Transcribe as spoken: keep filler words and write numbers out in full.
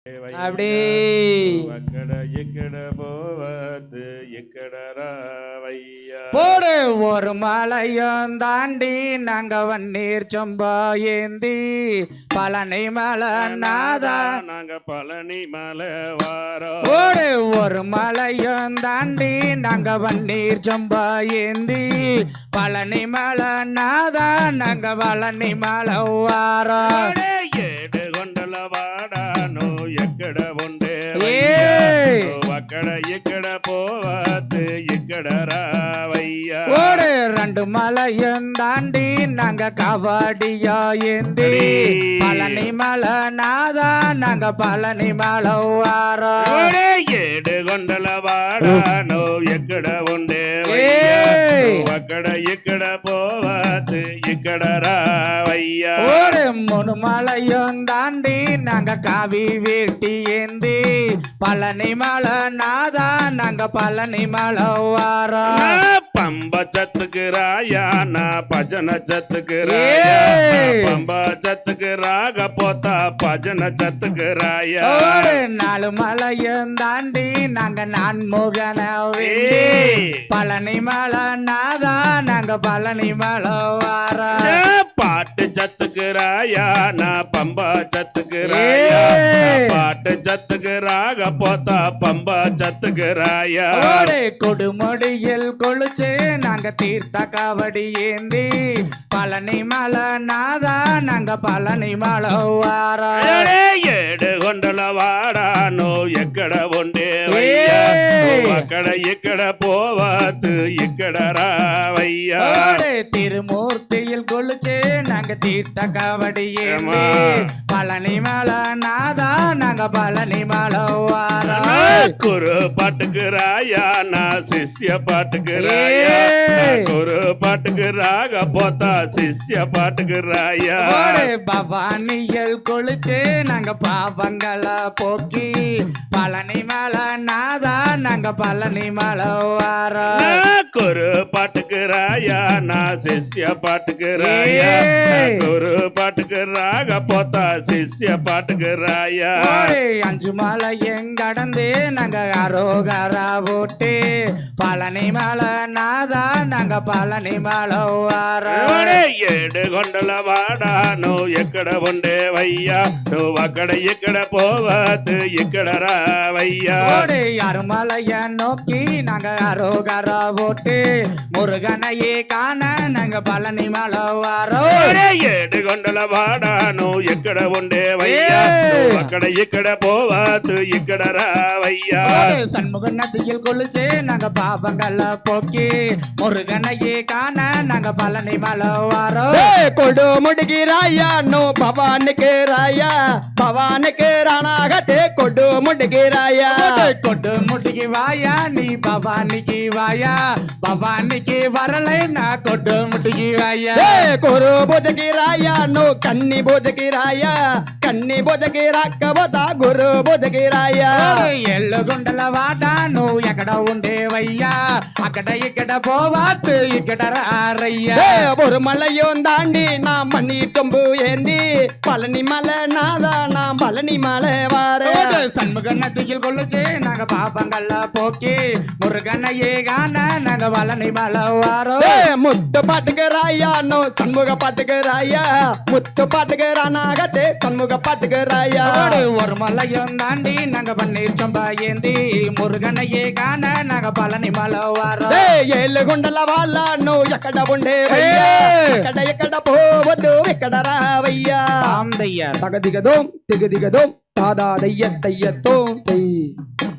அப்படி అక్కడ ఇక్కడ పోవద్దు ఇక్కడ రావయ్యా போடு ஒரு மலையும் தாண்டி நாங்க வன்னீர் சொம்பா ஏந்தி பழனி மலை நாதா நாங்க பழனி மலை வாரோம் போடு ஒரு மலையும் தாண்டி நாங்க வன்னீர் சொம்பா ஏந்தி பழனி மலை நாதா நாங்க பழனி மலை வாரோம் ఏడు కొండల వాడాను ఎక్కడ ఉండే అక్కడ ఇక్కడ పోవద్దు ఇక్కడ రావయ్యా ஒரு ரெண்டு மலையும் தாண்டி நாங்க கவாடியா ஏந்தி பழனி மலை நாதா நாங்க பழனி மலை வாரோம் ఏడు కొండల వాడాను ఎక్కడ ఉండే అక్కడ ఇక్కడ పోవద్దు ఇక్కడ రావయ్యా ஒரு மூணு மலையும் தாண்டி நாங்க காவி வேட்டி ஏந்தி பழனி மலை நாதா நாங்க பழனி மலை வாரோம் పంబ చత్తుకు రాయా నా భజన చత్తుకు రాయా పంబ చత్తుకు రాకపోతా భజన చత్తుకు రాయా நாலு மலையும் தாண்டி நாங்க நான்முகன பழனி மலை நாதா நாங்க பழனி மலை வாரோம் பாட்டு சத்துக்கு ராயா నా పంబ చత్తుకు రాయా பாட்டு சத்துக்கு ராக போத்தா பம்ப சத்துக்கு ராயா கொடுமுடியில் கொளுச்சு நாங்க தீர்த்த காவடி ஏந்தி பழனி மலை நாதா நாங்க பழனி மலை வாரோம் ఏడు కొండల వాడాను ఎక్కడ ఉండే అక్కడ ఇక్కడ పోవద్దు ఇక్కడ రావయ్యా திருமூர்த்தியில் கொளுச்சு நாங்க தீர்த்த காவடி ஏந்தி பழனி மலை நாதா நாங்க பழனி மலை வாரோம் குரு பாட்டுக்கு ராயா நான் சிஷ்ய பாட்டுக்கு ராயா குரு பாட்டுக்கு ராக போத்தா சிஷ்ய பாட்டுக்கு ராயா பவானியல் கொளுச்சு நாங்க பாவங்களை போக்கி பழனி மலை நாதா நாங்க பழனி மலை வாரோம் குரு பாட்டுக்கு ராயா நான் சிஷ்ய பாட்டுக்கு ராயா குரு பாட்டுக்கு ராக போத்தா சிஷ்ய பாட்டுக்கு ராயா அஞ்சு மலை எங்கடந்து நாங்க அரோகரா போட்டு பழனி மலை நாதா நாங்க பழனி மலை வாரோம் ఏడు కొండల వాడాను ఎక్కడ ఉండే వయ్యా నువ్వు అక్కడ ఇక్కడ పోవద్దు ఇక్కడ రావయ్యా அருமலைய நோக்கி நாங்க அரோகரா போட்டு முருகனையே காண நாங்க பழனி மலை வாரோம் ఏడు కొండల వాడాను ఎక్కడ ఉండే వయ్యా నువ్వు అక్కడ ఇక్కడ పోవద్దు ఇక్కడ రావయ్యా சண்முக நதியில் கொளுச்சு நாங்க பாவங்களை போக்கி முருகனையே காண நாங்க பழனி மலை வாரோம் கொடு முடுகிறாயா நோ பவானுக்கு ராயா பவானுக்கு ராணாகட்டே கொடு முடுகிறாயா கொடு முடுகி வாயா நீ பவானிக்கு வாயா பவானிக்கு வரலை நான் கொடு முடுகி வாயா கொரு போதகிராயா நோ கண்ணி போதகிராயா கண்ணி போதகிராக்கவதா குரு போதகிராயா ఎల్లు గుండల వాట నువ్వు ఎక్కడ ఉండేవయ్యా అక్కడ ఇక్కడ పోవాత్ ఇక్కడ రారయ్యా ஒரு மலையும் தாண்டி நான் மண்ணி தொம்பு ஏந்தி பழனி மலை நாதா நான் பழனி மலை வார சண்முக நதியில் கொள்ளுச்சு நாங்க பாப்பங்கள்ல போக்கி முருகனையே காண நாங்க பழனி மலை வாரோம் முத்து பாட்டுக்கு ராயா நோ சண்முக பாட்டுக்கு ராயா முத்து பாட்டுக்கு ரானாகத்தே சண்முக பாட்டுக்கு ராயா ஒரு மலையும் தாண்டி நாங்க பன்னீர் சொம்பா ஏந்தி முருகனையே காண நாங்க பழனி மலை வாரோம் ஏழு குண்டல వాళ్ళ நோ ఎక్కడ ఉండే ఎక్కడ ఎక్కడ పోవద్దు ఎక్కడ రావయ్యా ఆమ్ దయ్యా తగదిగదోం తిగదిగదోం తాదా దయ్య దయ్యతో